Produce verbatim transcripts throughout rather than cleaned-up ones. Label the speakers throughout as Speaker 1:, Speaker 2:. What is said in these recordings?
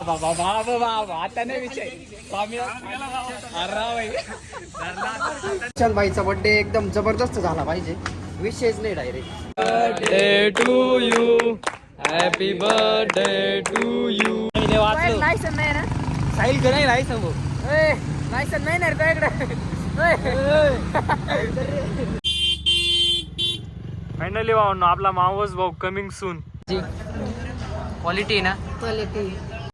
Speaker 1: बाबा बाबा बाबा आता नाही विषय
Speaker 2: भाईचा बर्थडे एकदम जबरदस्त झाला पाहिजे, विषयच नाही direct.
Speaker 1: Birthday to you, happy birthday to you.
Speaker 2: License नाही ना
Speaker 1: साहिल का नाही लायसन भाऊ,
Speaker 2: लायसन नाही ना तुझ्याकडे.
Speaker 1: फायनली भाऊ आपला मावस भाऊ कमिंग सून.
Speaker 2: क्वालिटी ना
Speaker 1: क्वालिटी.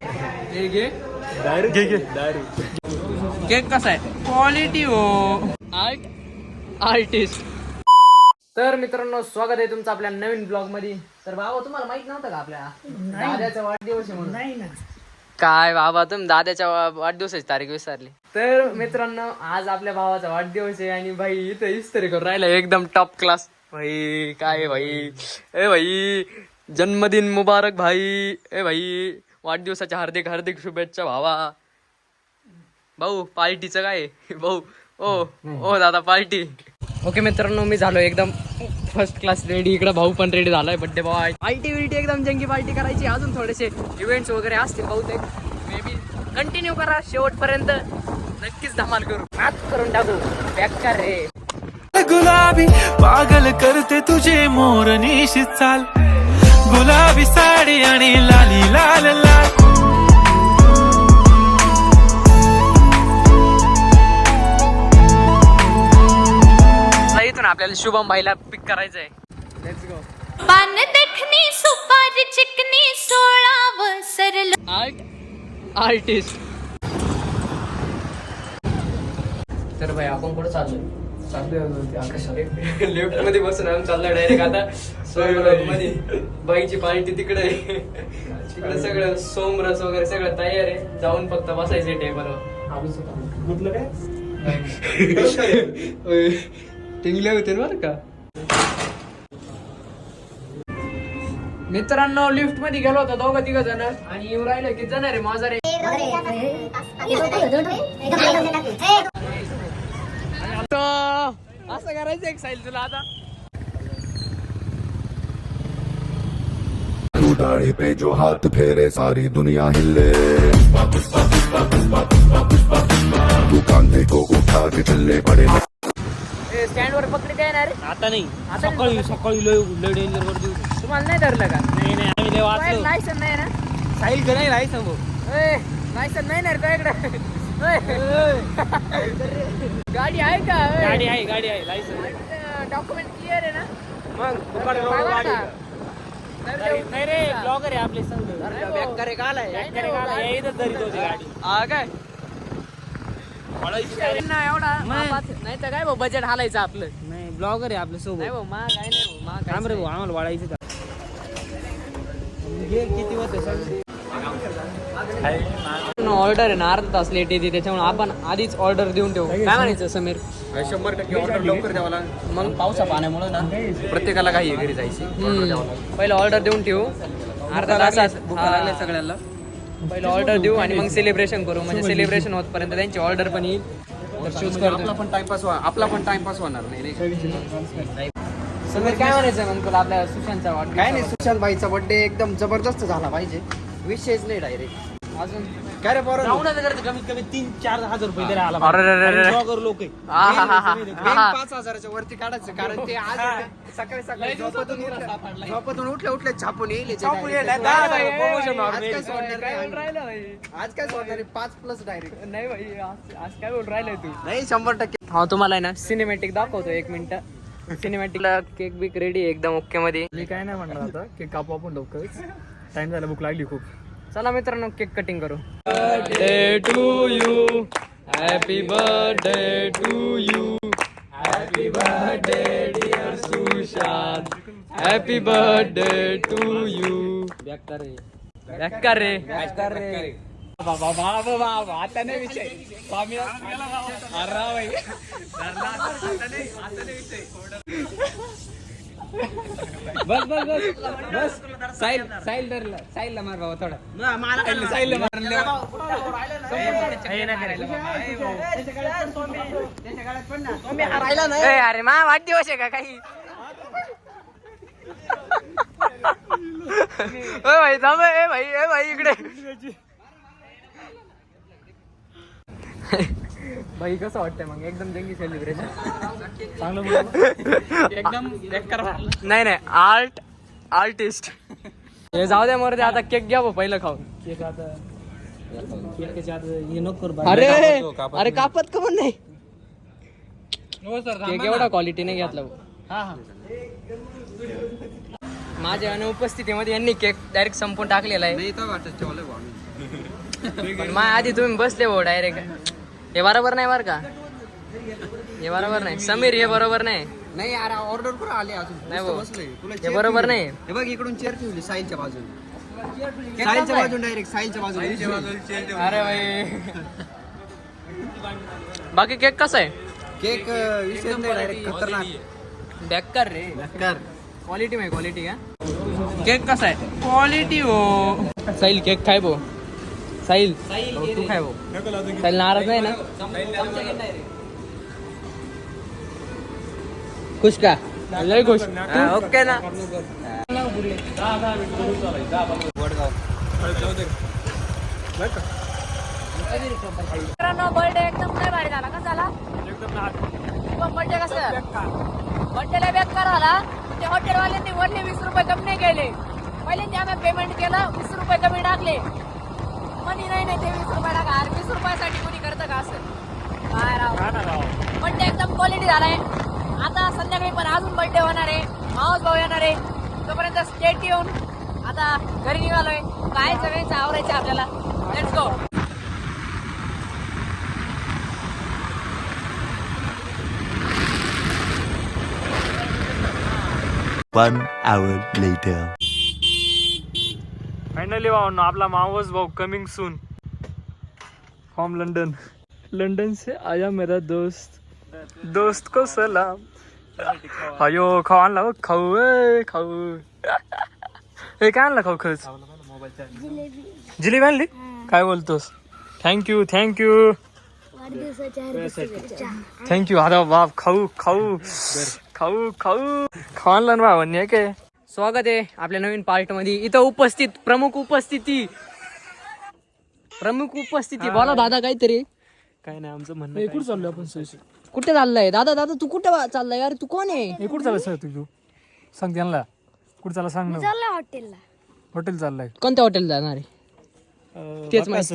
Speaker 1: केक कसा आहे? क्वालिटी हो. Art artist.
Speaker 2: तर मित्रांनो, स्वागत आहे तुमचं आपल्या नवीन ब्लॉग मध्ये. तर बाबा, तुम्हाला माहित नव्हतं का आपल्या दादाचा वाढदिवस आहे म्हणून? नाही ना. काय बाबा, तुम्ही दादाच्या वाढदिवसाची तारीख विसरली. तर मित्रांनो, आज आपल्या भावाचा वाढदिवस आहे आणि भाई इथं इस्त्री करून राहिला एकदम टॉप क्लास. भाई काय भाई, ए भाई जन्मदिन मुबारक भाई. ए भाई वाढदिवसाच्या हार्दिक हार्दिक शुभेच्छा भावा. भाऊ पार्टीचं काय भाऊ? ओ ओ दादा पार्टी. ओके मित्रांनो, मी झालो एकदम फर्स्ट क्लास रेडी. इकडे भाऊ पण रेडी झालाय बड्डे बॉय. पार्टी विल्टी एकदम जंगी पार्टी करायची. अजून थोडेसे इव्हेंट्स वगैरे असतील बहुतेक. मे बी कंटिन्यू करा शेवटपर्यंत, नक्कीच धमाल करू. हात करून टाकू बेकार रे.
Speaker 3: गुलाबी पागल करते तुझे मोरनीशी चाल, गुलाबी साडी आणि लाली लाल लाल.
Speaker 2: इथून आपल्याला शुभम भाईला पिक करायचंय. Let's go.
Speaker 4: पान देखनी सुपारी चिकनी सोळाव सरल.
Speaker 2: Art artist. तर भाई आपण कुठं चाललोय? लेफ्ट मध्ये बसून आम्ही चाललोय डायरेक्ट आता सोमरस मध्ये. बाईची पार्टी तिकडे आहे. तिकडे सगळं सोमरस वगैरे सगळं तयार आहे. जाऊन फक्त बसायचे टेबलवर. टिंगले होते बरं का मित्रांनो. लिफ्ट मध्ये गेलो होतो दोघं तिघ जण आणि येऊ राहिलं किती जण रे माझा रे. असं करायचं एक साईल तुला आता.
Speaker 5: तू दाढ़ी पे जो हाथ फेरे सारी दुनिया हिले, तू कांधे को उठा के चलने पड़े.
Speaker 2: स्टँड वर पकडी काय येणार?
Speaker 1: आता नाही, सकाळी सकाळी लय लय डेंजर वर देऊ.
Speaker 2: तुम्हाला नाही धरलं का?
Speaker 1: नाही नाही, आम्ही लय वाचलो.
Speaker 2: लायसन नाही ना?
Speaker 1: साहिल का नाही लायसन भाऊ,
Speaker 2: लायसन नाही ना तुझ्याकडे? गाडी आहे का?
Speaker 1: गाडी आहे गाडी आहे लायसन.
Speaker 2: डॉक्युमेंट क्लिअर आहे ना?
Speaker 1: मग दुकान रोड गाडी नाही रे. ब्लॉगर आहे आपले संग.
Speaker 2: बेकार का आलाय?
Speaker 1: येतच धरी तुझी गाडी.
Speaker 2: हा काय नाही एवढा नाही तर काय भाऊ बजेट हालायचं आपलं.
Speaker 1: नाही, ब्लॉगर आहे आपल्या सोबत.
Speaker 2: नाही भाऊ मा काय नाही भाऊ मा काय
Speaker 1: थांब रे भाऊ, आम्हाला वाढायचं. किती होते
Speaker 2: ऑर्डर आहे ना, अर्धा तास लेट येते. त्याच्यामुळे आपण आधीच ऑर्डर देऊन ठेवू. काय म्हणायचं समीर?
Speaker 5: शंभर टक्के ऑर्डर लवकर द्यावा लागेल.
Speaker 2: मग
Speaker 5: पावसा पाण्यामुळे ना प्रत्येकाला काही घरी जायची.
Speaker 2: पहिलं ऑर्डर देऊन ठेवू. अर्धा तास
Speaker 5: भूका लागल्या सगळ्यांना.
Speaker 2: पहिलं ऑर्डर देऊ आणि मग सेलिब्रेशन करू. म्हणजे सेलिब्रेशन होतपर्यंत त्यांची ऑर्डर पण येईल. तर चूज
Speaker 5: आपला
Speaker 2: करतो.
Speaker 5: पण टाइमपास आपला पण टाइमपास होणार नाही.
Speaker 2: समीर काय म्हणायचं मग तुला आपल्या सुशांतचा वाट?
Speaker 6: काय नाही, सुशांत भाईचा बर्थडे एकदम जबरदस्त झाला पाहिजे, विषयच नाही डायरेक्ट.
Speaker 2: अजून
Speaker 6: काय रे बरं,
Speaker 1: कमीत कमी तीन चार हजार रुपये तरी आला.
Speaker 2: अरे रे रे रे.
Speaker 1: ब्लॉगर लोक
Speaker 6: पाच हजाराच्या वरती काढायचं, कारण ते आज सकाळी सकाळी झोपतून उठल्या झोपतून उठल्या उठल्या छापून येईल. आज काय सोडणार आहे? पाच प्लस डायरेक्ट.
Speaker 2: नाही भाई, आज आज काय बोल राहिलाय तू?
Speaker 6: नाही, शंभर टक्के.
Speaker 2: हा तुम्हाला आहे ना सिनेमॅटिक दाखवतो एक मिनिट. सिनेमॅटिकला केक बिक रेडी एकदम ओके मध्ये.
Speaker 1: मी काय नाही म्हणणार आता, केक कापू आपण लवकरच. टाइम झाला, भूक लागली खूप.
Speaker 2: चला मित्रांनो, केक कटिंग करू.
Speaker 1: Birthday to you, happy birthday to you, happy birthday dear Sushant, happy birthday to you.
Speaker 2: बेकार रे बेकार रे
Speaker 1: बेकार रे. बाबा बाबा बाबा आता नाही विषय. अरे भाई बस बस बस बस. साहिल साहिल धरला. साहिलला मार बाबा थोडा. साहिलला मारले.
Speaker 2: अरे मा वाढदिवस आहे का काही? भाई थांब. ए भाई ए भाई इकडे बाई कसं वाटतंय मग एकदम जंगी सेलिब्रेशन?
Speaker 1: एकदम बेकार झालं.
Speaker 2: नाही नाही आर्ट आर्टिस्ट हे जाऊ द्या मर आता केक घ्या भाऊ पहिलं खाऊन. अरे अरे कापत का पण नाही केक एवढा क्वालिटीने घेतला भाऊ. माझ्या अनुपस्थितीमध्ये यांनी केक डायरेक्ट संपून टाकलेला आहे. पण मा आधी तुम्ही बसले भाऊ डायरेक्ट. हे बरोबर नाही बरं का, हे बरोबर नाही समीर, हे बरोबर नाही.
Speaker 6: नाही यार ऑर्डर करून आले अजून
Speaker 2: नाही भाऊ,
Speaker 6: बसलोय. तुला
Speaker 2: हे
Speaker 6: chair
Speaker 2: बरोबर
Speaker 6: ठेवली.
Speaker 2: नाही.
Speaker 6: हे बघ इकडून चेअर ठेवली साईलच्या बाजूने, साईलच्या बाजून डायरेक्ट साईलच्या बाजूने.
Speaker 2: अरे भाई बाकी केक कसा आहे?
Speaker 6: केक विषय नाही डायरेक्ट खतरनाक
Speaker 2: बेकार रे
Speaker 6: कर.
Speaker 2: क्वालिटी में क्वालिटी का केक कसा आहे? क्वालिटी हो. साहिल केक खाय भो. साहिल तू खाय भो. साहिल नाराज नाही ना? खुश का? लय खुश. ओके ना.
Speaker 7: मित्रांनो बर्थडे एकदम नाही भारी झाला. कसा झाला? बर्थडे कसं बर्थडेला बेकार झाला. ते हॉटेलवाल्यांनी वरले वीस रुपये कमी नाही केले. पहिल्यांदा आम्ही पेमेंट केलं, वीस रुपये कमी टाकले. मनी नाही नाही ते वीस रुपये टाका. अरे वीस रुपयासाठी कोणी करतं का असं? काय राव बर्थडे एकदम क्वालिटी झालाय. आता संध्याकाळी पण अजून बर्थडे होणार आहे. मावस भाऊ येणार आहे. तोपर्यंत स्टेट येऊन आता घरी निघालोय. काय सगळ्यांचं आवरायचं आपल्याला. Let's go.
Speaker 8: One hour later.
Speaker 3: Finally भाऊ आपला मावस भाऊ coming soon from London. London से आया मेरा दोस्त, दोस्त को सलाम. अयो खाऊ आणला बघ. खाऊ ए खाऊ. हे काय आणलं खाऊ खरंच? जिलेबी आणली? काय बोलतोस? Thank you thank you thank you. आता बाप खाऊ खाऊ खाऊ खाऊ खाऊ आणलं ना भावांनी. काय
Speaker 2: स्वागत आहे आपल्या नवीन पार्ट मध्ये. इथं उपस्थित प्रमुख उपस्थिती प्रमुख उपस्थिती बोला दादा काहीतरी.
Speaker 3: काय नाही आमचं म्हणणं. कुठं चाललोय आपण?
Speaker 2: कुठे चाललाय दादा? दादा तू कुठे चाललाय यार? तू कोण आहे?
Speaker 3: हे कुठं चाललं सर तू? सांग त्यांना कुठं चालला सांग ना.
Speaker 7: हॉटेलला
Speaker 3: हॉटेल चाललंय.
Speaker 2: कोणत्या हॉटेल जाणार आहे? तेच माहिती.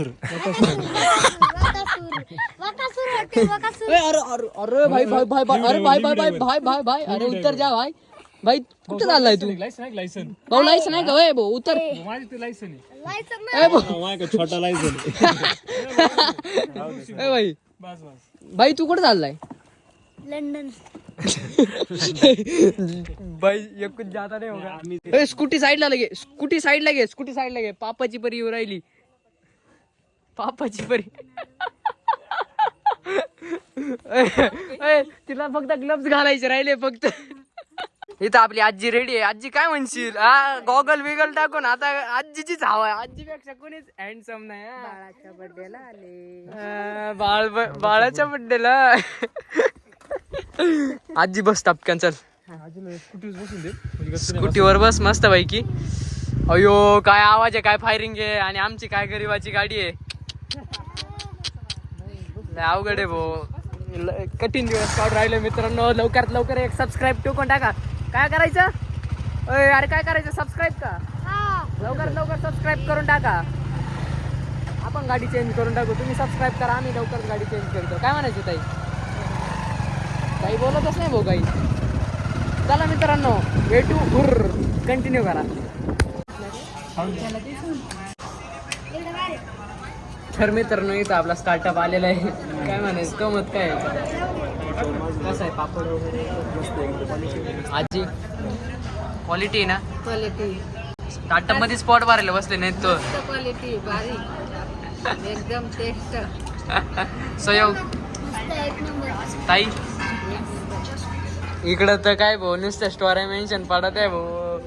Speaker 2: अरे अरे अरे भाई भाई भाई भाई अरे भाई भाई भाई भाई भाई भाई अरे उत्तर जा भाई. भाई कुठे चाललाय तू?
Speaker 3: लायसन
Speaker 2: भाऊ लायसन आहे का? वय भाऊ उत्तर.
Speaker 3: माझी ते लायसन आहे.
Speaker 2: ए भाऊ.
Speaker 3: छोटा लायसन
Speaker 2: ए भाई
Speaker 3: बस बस.
Speaker 2: भाई तू कुठे चाललाय?
Speaker 7: लंडन.
Speaker 2: भाई एकूण जाता नाही होगा. ए स्कूटी साईडला लगे, स्कूटी साईडला घे, स्कूटी साईडला घे. पापाची परी येऊ राहिली. पापाची परी. ए, तिला फक्त ग्लव्स घालायचे राहिले फक्त. इथं आपली आजी रेडी आहे. आजी काय म्हणशील? हा गॉगल बिगल टाकून आता आजीचीच हवा आहे. आजीपेक्षा कोणीच हँडसम नाही.
Speaker 7: बाळाच्या बर्थडेला आले.
Speaker 2: हा, बाळ बाळाच्या बड्डेला. आजी बस टपक्यान चल. स्कूटीवर बस मस्त पैकी. अयो काय आवाज आहे, काय फायरिंग आहे. आणि आमची काय गरीबाची गाडी आहे. अवघड आहे भाऊ. कठीण दिवस काढून राहिले मित्रांनो. लवकरात लवकर एक सबस्क्राईब टोकून टाका. काय करायचं? अरे अरे काय करायचं? सबस्क्राईब का? लवकरात लवकर सबस्क्राईब करून टाका. आपण गाडी चेंज करून टाकू. तुम्ही सबस्क्राईब करा, आम्ही लवकर गाडी चेंज करतो. काय म्हणायचं ताई? काही बोलतच नाही भाऊ काही. चला मित्रांनो वे टू हुर कंटिन्यू करा. तर मित्रांनो इथं आपला स्टार्टअप आलेला आहे. काय म्हणायचं गमत काय कसं आहे? पापड वगैरे आजी क्वालिटी ना.
Speaker 7: क्वालिटी
Speaker 2: स्टार्टअप मध्ये स्पॉट मारायला बसले नाहीत तो.
Speaker 7: क्वालिटी भारी एकदम टेस्ट.
Speaker 2: सहयोग ताई इकडं तर काय भाऊ नुसत्या स्टोरी मेन्शन पडत आहे भाऊ.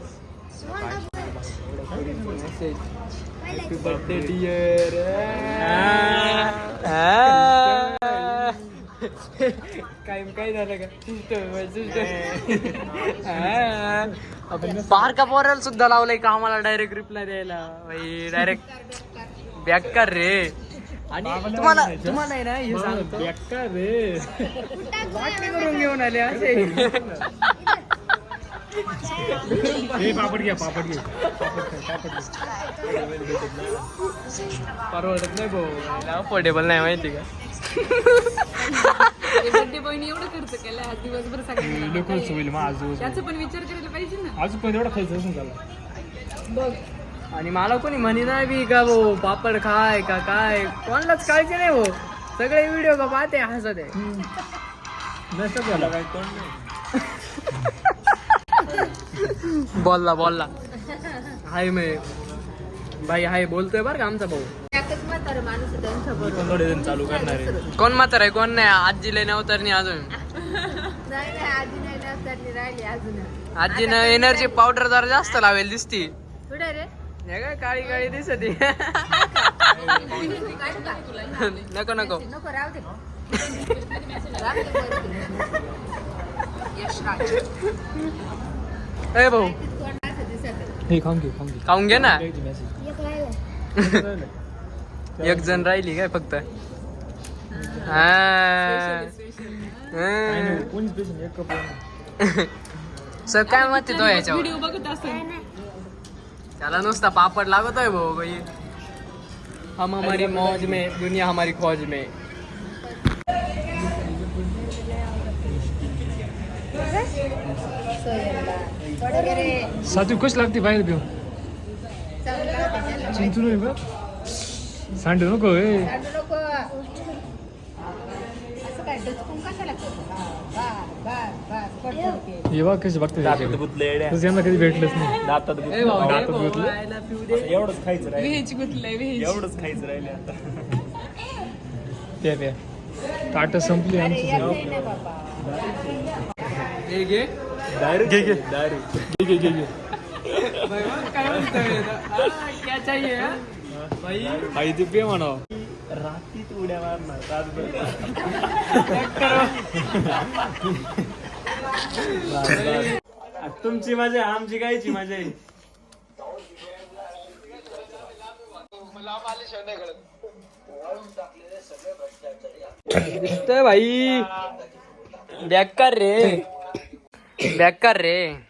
Speaker 2: Happy birthday dear. काय काय झालं का? बारका पोराला सुद्धा लावलंय का आम्हाला डायरेक्ट रिप्लाय द्यायला. भाई डायरेक्ट बॅक कर रे. आणि तुम्हाला तुम्हाला आहे ना हे सांगतो
Speaker 3: बेकार रे
Speaker 2: वाटणी करून घेऊन आले असे
Speaker 3: हे पापड घ्या पापड घे पापड खा, पापड घे.
Speaker 2: परवडत नाही भाऊ अफोर्डेबल नाही माहिती का
Speaker 7: बर्थडे बॉयने एवढं खर्च केलं आज दिवसभर सगळ्यांना
Speaker 3: लय खर्च होईल मग आज दिवस
Speaker 7: त्याचं पण विचार करायला पाहिजे ना.
Speaker 3: अजून पण एवढा खर्च असून झाला
Speaker 7: बघ
Speaker 2: आणि मला कोणी म्हणी नाही बी का भाऊ पापड खाय का काय कोणालाच काळजी नाही भाऊ सगळे व्हिडिओ का पाहते हसत आहे
Speaker 3: नसतं झाला काय
Speaker 2: बोलला बोलला हाय मी भाई हाय बोलतोय बरं का आमचा भाऊ
Speaker 7: एकच म्हातारं माणूस आहे त्यांच्या बरोबर.
Speaker 3: थोडे जण चालू करणार आहे
Speaker 2: कोण म्हातार आहे कोण नाही आजीला नव्हतर नाही अजून
Speaker 7: नाही नाही आधी नाही ना त्यांनी राहिली अजून
Speaker 2: आजीनं एनर्जी पावडर जरा जास्त लावेल दिसती
Speaker 7: कुठे रे
Speaker 2: हे काय काळी काळी दिसत
Speaker 7: काढू का?
Speaker 2: नको नको
Speaker 7: नको राहू दे राहू दे वरती. यश राज
Speaker 2: ए भाऊ
Speaker 7: कोण असं दिसत आहे.
Speaker 3: हे खाऊन घे खाऊन घे
Speaker 2: खाऊन घे ना
Speaker 3: द्यायची message.
Speaker 2: एक जण राहिली काय फक्त हा.
Speaker 3: काय नाही, कोणीच पेशंट एक कप नाही.
Speaker 2: सर काय म्हणते तो याच्यावर
Speaker 7: व्हिडिओ बघत असेल
Speaker 2: त्याला नुसता पापड लागतोय भाऊ भाई हम हमारी मौज में दुनिया हमारी खोज में
Speaker 3: सातू कशी लागते बाहेर पिऊ चिंतू नाही बा सांडू नको हे
Speaker 7: नको असं काय डचकून कशाला करतो? हा, बस, बस, बस, पटकन.
Speaker 3: हे बा कशी बघते तसं यांना कधी भेटलंच नाही
Speaker 2: ए भाऊ, ए भाऊ,
Speaker 3: गुतलं.
Speaker 2: आयला पिऊ दे.
Speaker 7: व्हेज गुतलंय व्हेज
Speaker 3: प्या प्या ताट संपली आमची
Speaker 7: येत नाही ना बाबा
Speaker 2: हे घे
Speaker 3: घे घे घे घे घे
Speaker 2: भाई, मग काय म्हणतोय आता? हा, क्या चाहिए हा? भाई
Speaker 3: आई ते पे म्हणावं तुमची मजा आमची कायची मजा आहे
Speaker 2: दिसतोय भाई बेकार रे बेकार रे